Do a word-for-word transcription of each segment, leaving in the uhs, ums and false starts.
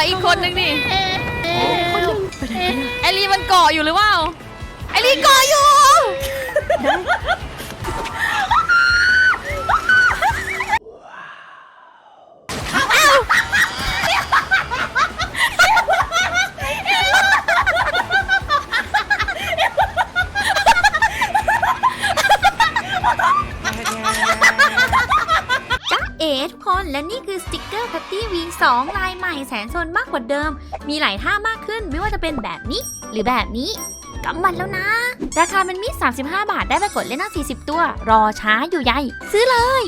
อีกคนนึงนี่ไอรีมันเกาะอยู่หรือเปล่าไอรีเกาะอยู่เอ๋ทุกคนและนี่คือสติกเกอร์แพตตี้วีสองลายใหม่แสนโซนมากกว่าเดิมมีหลายท่ามากขึ้นไม่ว่าจะเป็นแบบนี้หรือแบบนี้กำมันแล้วนะราคามันมีสามสิบห้าบาทได้ไปกดเล่นตั้งสี่สิบตัวรอช้าอยู่ใหญ่ซื้อเลย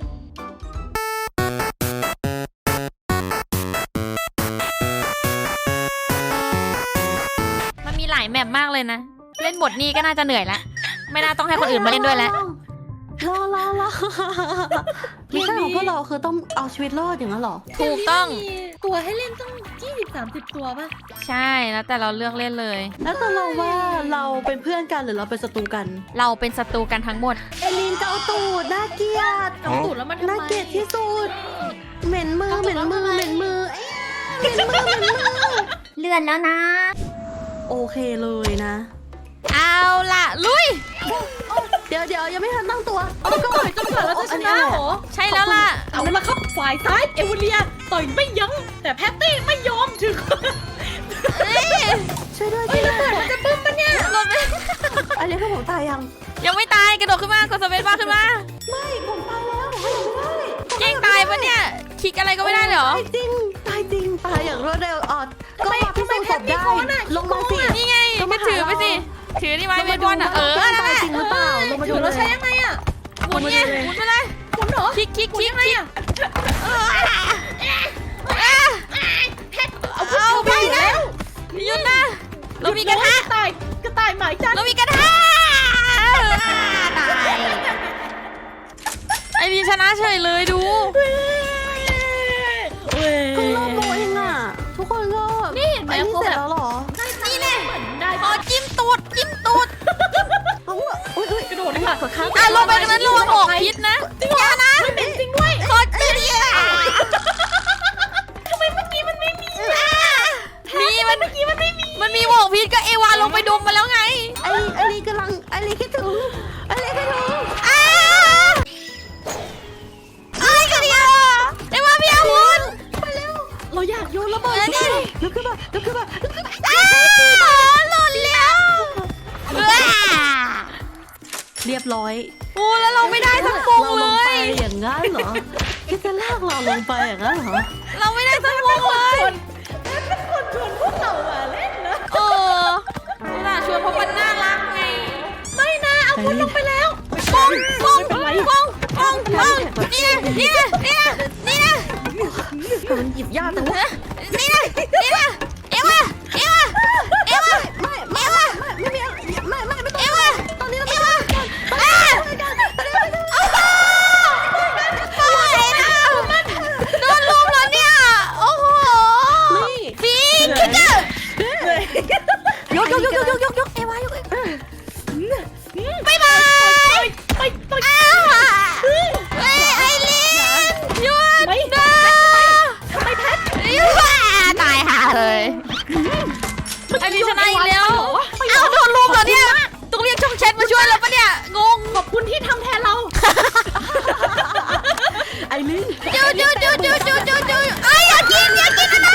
มันมีหลายแมปมากเลยนะเล่นบทนี้ก็น่าจะเหนื่อยแล้วไม่น่าต้องให้คนอื่นมาเล่นด้วยแล้วรอรอรอมิชชั่นของพวกเราคือต้องเอาชีวิตรอดอย่างนั้นหรอถูกต้องตัวให้เล่นต้องยี่สิบสามสิบตัวป่ะใช่แล้วแต่เราเลือกเล่นเลยแล้วแต่เราว่าเราเป็นเพื่อนกันหรือเราเป็นศัตรูกันเราเป็นศัตรูกันทั้งหมดเอลินเกาตูดน่าเกลียดเกาตูดแล้วมันน่าเกลียดที่สุดเหม็นมือเหม็นมือเหม็นมือเหม็นมือเหม็นมือเลื่อนแล้วนะโอเคเลยนะเอาล่ะลุยเดี๋ยวเดี๋ยวยังไม่ทันตั้งตัวเอาก็ต่อยจนกว่าเราจะชนะเหรอใช่แล้วล่ะเอาละครับฝ่ายซ้ายเอเวเลียต่อยไม่ยั้งแต่แพตตี้ไม่ยอมถึงช่วยด้วยช่วยด้วยมันจะบึ้มปะเนี่ยอันนี้คือผมตายยังยังไม่ตายกระโดดขึ้นมากดสเปซบาร์ขึ้นมาไม่ผมตายแล้วผมไม่ได้เก่งตายปะเนี่ยคลิกอะไรก็ไม่ได้เหรอตายจริงตายจริงตายอย่างรวดเร็วอ่ะก็มาพิสูจน์ศพได้ลงมาสินี่ไงก็ถือไปสิถือนี่ไว้ไม่บอลอ่ะเออนั่นแหละจริงหรือเปล่าลงมาดูเราใช้ยังไงอ่ะหมุนไงหมุนไปเลยหมุนเหรอคลิกคลิกคลิกคลิกเอาไปแล้วหยุดนะเรามีกระทะกระต่ายกระต่ายหมายจันเรามีกระทะตายไอรีชนะเฉยเลยดูก็รอบโมเองอ่ะทุกคนก็นี่เห็นไหมเสร็จแล้วหรอนี่แน่พอจิ้มตูดจิ้มตูดกระโดดค่ะอ่ะลงไปนั้นระวังออกพิษนะอย่านะไม่เป็นจริงด้วยขอจิ้มดิทำไมเมื่อกี้มันไม่มีมีมันเมื่อกี้มันไม่มีมันมีหมอกพิษก็เอวาลงไปดมมาแล้วไงไอไอรีกำลังไอรีคิดถึงไอรีคิดถึงอ้าไอ้กันดิเอวาพี่อาวุธมาเร็วเราอยากโยนระเบิดนี่ลุกขึ้นมาลุกขึ้นมาลุกขึ้นมาอ้าหล่นแล้วเรียบร้อยโอ้แล้วเราไม่ได้สักฟงเลยอย่างงั้นเหรอคิดจะลากเราลงไปอย่างนั้นเหรอเราไม่ได้สักฟงเลยเป็นคนชวนพวกเรามาเล่นนะเออน่าชวนเพราะมันน่ารักไงไม่นะเอาพุทลงไปแล้วฟงฟงฟงฟงฟงนี่นะนี่นะนี่นะนี่นะมันหยิบยากจังวะนี่นะนี่นะเอวาเอวาเอวาไม่ไม่ไม่ไม่ไม่ไม่ไม่ต้องเอวาตอนนี้เราไม่ต้องโดนลุมแล้วเนี่ยโอ้โหฟีคิกเกอร์ยกยกยกยกยกยกเอวายกบายบายไปไปอ้าเฮ้ยไอรีนหยุดนะทำไมแพทตายห่าเลยไอรีนชนะอีกแล้วเอ้าโดนลุมเหรอเนี่ยต้องเรียกช่องแชทมาช่วยแล้วปะเนี่ยงงขอบคุณที่ทำแทนเราไอรีนจูจูจูจูจูจูจูไออยากกินอยากกินนะ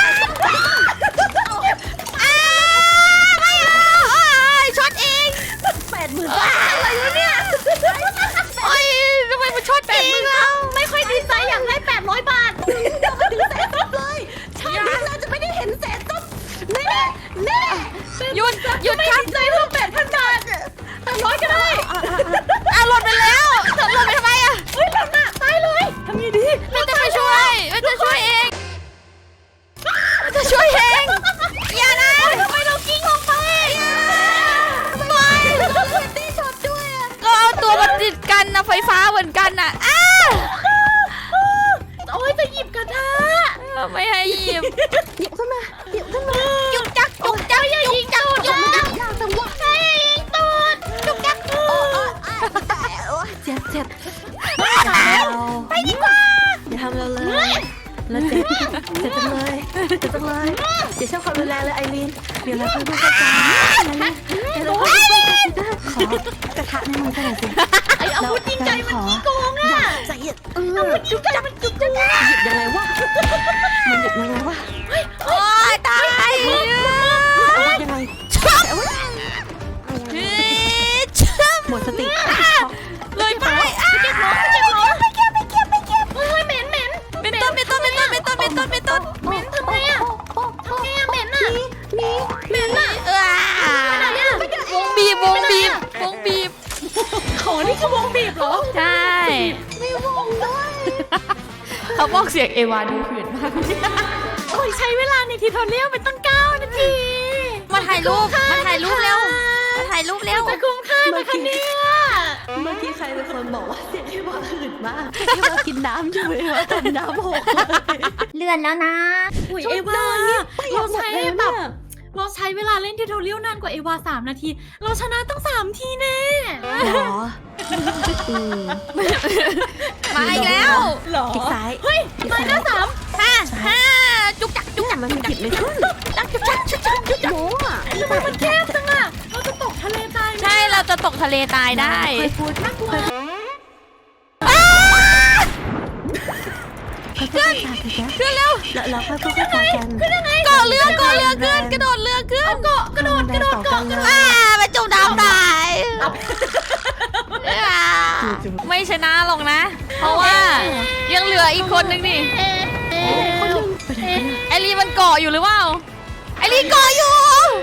อ้าไม่เอาช็อตเองแปดหมื่นอะไรวะเนี่ยโอ้ยทำไมมันช็อตเองอ่ะไม่ค่อยดีใจอยากได้แปดร้อยบาทเราไม่ถึงแสนซับเลยชาตินี้เราจะไม่ได้เห็นแสนซับแน่แน่หยุดหยุดครับใจเพิ่มแปดพันบาทแปดร้อยก็ได้อ่ะหล่นไปแล้วหล่นไปทำไมอ่ะเฮ้ยหล่นอ่ะตายเลยทำไงดีมันจะไปช่วยมันจะช่วยเองมันจะช่วยเองอย่านะทำไมเรากิ้งลงไปไม่ตีช็อตด้วยอ่ะก็เอาตัวมาติดกันนะไฟฟ้าเหมือนกันอ่ะอ้าโอ้ยจะหยิบกระทะไม่ให้หยิบหยิบขึ้นมาหยิบขึ้นมายุกจักยุกจักยุกจักยุกจักยากจังวะใช่ตูดยุกจักเจ็บเจ็บไปดีกว่าอย่าทำเราเลยแล้วเจ็บเจ็บจังเลยเจ็บจังเลยเดี๋ยวชอบความรุนแรงเลยไอรีนเดี๋ยวเราค่อยพูดกันไอรีนเดี๋ยวเราค่อยพูดกันขอกระทะในมือกันหน่อยสิไอ้อาวุธจริงใจมันขี้โกงอ่ะจะหยิบเอออาวุธจริงใจมันขี้โกงอ่ะหยิบยังไงวะมันหยิบยังไงวะโอ้ยตายเอายังไงเฮ้ยช่ำหมดสติเลยไปอ่ะเก็บล้อเก็บล้อไม่เก็บไม่เก็บไม่เก็บเฮ้ยเหม็นเหม็นเป็นต้นเป็นต้นเป็นต้นเป็นต้นเป็นต้นเป็นต้นเหม็นทำไงอ่ะทำไงอ่ะเหม็นอ่ะมีเหม็นอ่ะเออวงบีบวงบีบวงบีบของนี่คือวงบีบเหรอใช่มีวงด้วยเขาบอกเสียงเอวาดูหื่นมากโอ้ยใช้เวลาในทิทอเรียลเป็นตั้งเก้านาทีมาถ่ายรูปมาถ่ายรูปเร็วมาถ่ายรูปเร็วจะคุ้มค่าไหมคะเนี่ยเมื่อกี้ใครเป็นคนบอกว่าเสียงที่ว่าหืดมากที่ว่ากินน้ำอยู่เลยว่าทำน้ำหกเลยเลื่อนแล้วนะอุ้ยเอวาเราใช้แบบเราใช้เวลาเล่นทิทอเรียลนานกว่าเอวาสามนาที เราชนะตั้งสามทีแน่หรออืมมาอีกแล้วหรอคลิกซ้ายเฮ้ยมาหน้าสามห้าห้าจุกจักจุกเนี่ยจักมันหยิบไม่ขึ้นจักจุกจักจุกจักจุกจักโม้อะทำไมมันแคบจังอ่ะเราจะตกทะเลตายไหมใช่เราจะตกทะเลตายได้เคยพูดน่ากลัวขึ้นขึ้นขึ้นเร็วแล้วเราค่อยพูดกันขึ้นยังไงเกาะเรือเกาะเรือขึ้นกระโดดเรือขึ้นเกาะกระโดดกระโดดเกาะเลยอ่าไปจมน้ำได้อ่าไม่ชนะหรอกนะ เพราะว่ายังเหลืออีกคนนึงนี่คนหนึ่งไปไหนกันไอรีมันเกาะอยู่หรือเปล่าไอรีเกาะอยู่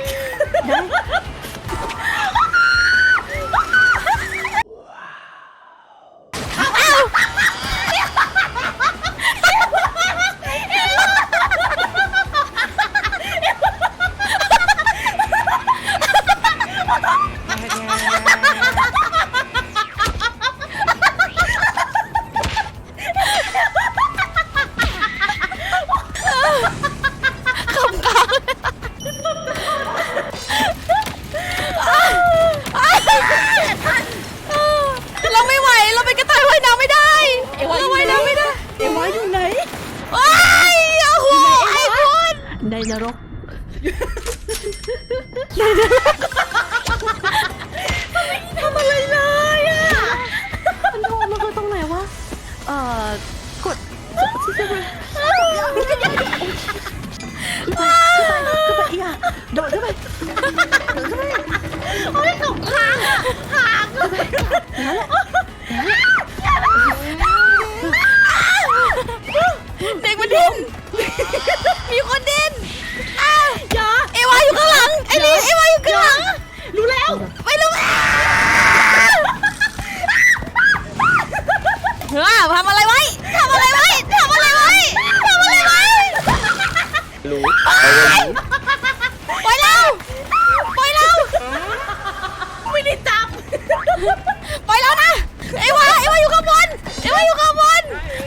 เราไม่ไหวเราเป็นกระต่ายว่ายน้ำไม่ได้เราว่ายน้ำไม่ได้เอวาอยู่ไหนว้ายโอ้โหไอ้คุณในนรกทำอะไรเลยอ่ะมันโดนมันคือตรงไหนวะเอ่อกดขึ้นไปขึ้นไปขึ้นไปอีกอ่ะโดดขึ้นไปโดดขึ้นไปโอ้ยตกค้างอ่ะค้างนั่นแหละเด็กมันดิ้นมีคนดิ้นอ้าวอย่าเอวาอยู่ข้างหลังไอ้ลีเอวาอยู่ข้างหลังรู้แล้วไม่รู้เฮ้ยทำอะไรไว้ทำอะไรไว้ทำอะไรไว้ทำอะไรไว้รู้ปล่อยเราปล่อยเราไม่ได้จับปล่อยเรานะเอวาเอวาอยู่ข้างบนเอวาอยู่ข้างบน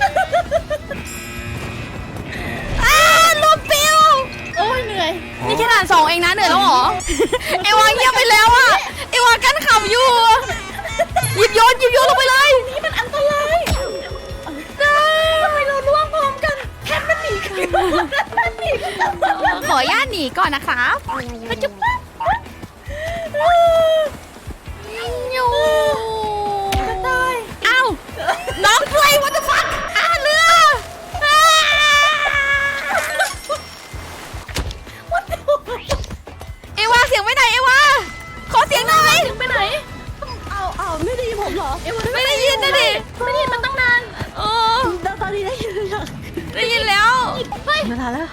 อ้าลูกปิวโอ้ยเหนื่อยนี่แค่ด่านสองเองนะเหนื่อยแล้วเหรอ เอวาเงียบไปแล้วอะเอวากั้นขำอยู่หยิบโยนหยิบโยนลงไปเลยนี่มันอันตรายทำไมเราล่วงพร้อมกันแค่มันหนีกันมันหนีกันขออนุญาตหนีก่อนนะครับจุ๊บอยู่กระต่ายเอ้าน้องเพลย์วัตถุฟักอ่าเรืออ่าเอวาเสียงไปไหนเอวาขอเสียงหน่อยไปไหนเอาเอาไม่ได้ยินผมเหรอเอวาไม่ได้ยินนะดิไม่ได้ยินมันตั้งนานโอ้ตอนนี้ได้ยินหรือยังได้ยินแล้วเฮ้ยเวลาแล้ว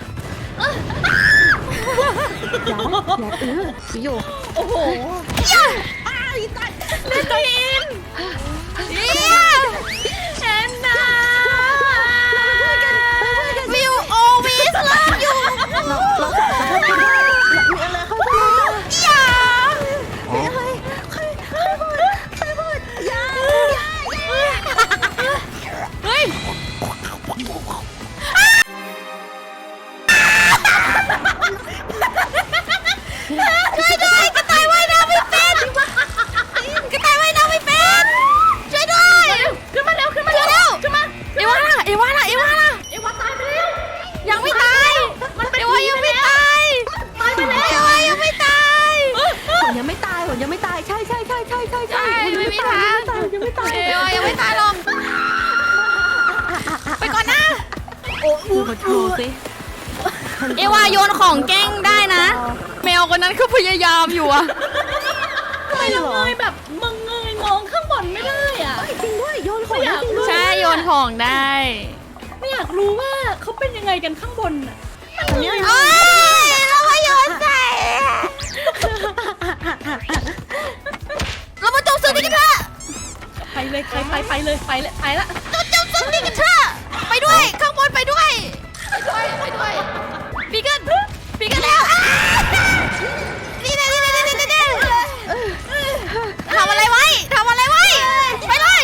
อย่าอย่าเอออยู่โอ้โหย่าเล่นตัวเองย่าแอนนาวิวโอวิสเลิฟอยู่เราเราสามารถพูดได้มีอะไรเข้าไปเลยอย่ามีอะไรใครใครพูดใครพูดอย่าอย่าอย่าเฮ้ยช่วยด้วยกระต่ายว่ายน้ำไม่เป็นกระต่ายว่ายน้ำไม่เป็นช่วยด้วยสิเอวาโยนของแกล้งได้นะ แมวคนนั้นก็พยายามอยู่อะทำไมเราเงยแบบมึงเงยมองข้างบนไม่ได้อ่ะจริงด้วยโยนของไม่อยากจริงด้วยใช่โยนของได้ไม่อยากรู้ว่าเขาเป็นยังไงกันข้างบนอ่ะโอ้ยเรามาโยนใส่เรามาจมสึกนี้กันเถอะไปเลยใครไปไปเลยไปเลยไปละเราจมสึกนี้กันเถอะไปด้วยข้างบนไปด้วยไปด้วยไปด้วยปีกันปีกันแล้วอ้านี่นี่นี่นี่นี่นี่ทำอะไรไว้ทำอะไรไว้ไปเลย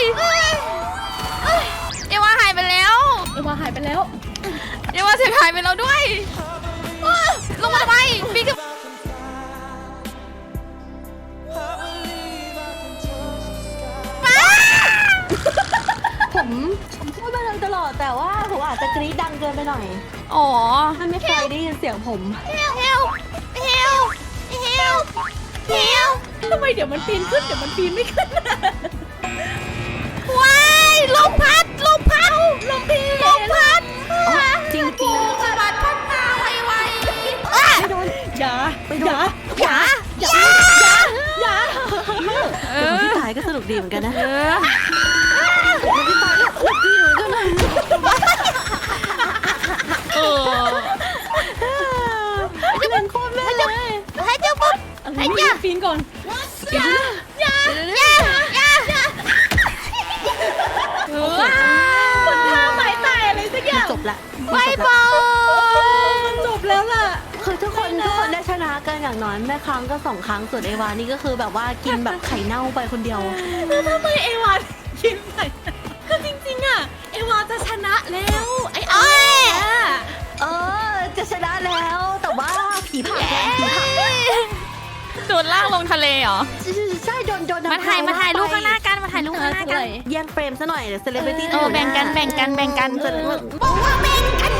เอวาหายไปแล้วเอวาหายไปแล้วเอวาเสียหายไปแล้วด้วยลงมาทำไมปีกันผมผมพูดมาเลยตลอดแต่ว่าผมอาจจะกรี๊ดดังเกินไปหน่อยอ๋อท่านไม่เคยได้ยินเสียงผมเฮลเฮลเฮลเฮลเฮลทำไมเดี๋ยวมันปีนขึ้นเดี๋ยวมันปีนไม่ขึ้นว้ายลมพัดลมพัดลมพีลมพัดจริงจริงสะบัดพัดมาไวไวไม่โดนอย่าไปโดอน ย่าอย่าอย่าอย่าเอแต่อพี่ตายก็สนุกดีเหมือนกันนะเออพี่ตายก็สนุกดีเหมือนกันนะเออเล่นโคตรแม่เลยให้เจ้าปุ๊บอะไรเนี่ยปีนก่อนอย่าอย่าอย่าอย่าเออคนท่าไม้ตายอะไรสักอย่างจบละบายบายมันจบแล้วล่ะคือทุกคนทุกคนได้ชนะกันอย่างน้อยแม่ครั้งก็สองครั้งส่วนเอวานี่ก็คือแบบว่ากินแบบไข่เน่าไปคนเดียวแล้วทำไมเอวาคิดไปคือจริงๆอ่ะเอวาจะชนะแล้วไอ้ไอ้อะเออจะชนะแล้วแต่ว่าผีผ่าแกผีผ่าโดนลากลงทะเลเหรอใช่โดนโดนมาถ่ายมาถ่ายรูปข้างหน้ากันมาถ่ายรูปข้างหน้ากันแย่งเฟรมซะหน่อยเดี๋ยวเซเลบริตี้เออแบ่งกันแบ่งกันแบ่งกันบอกว่าแบ่งกัน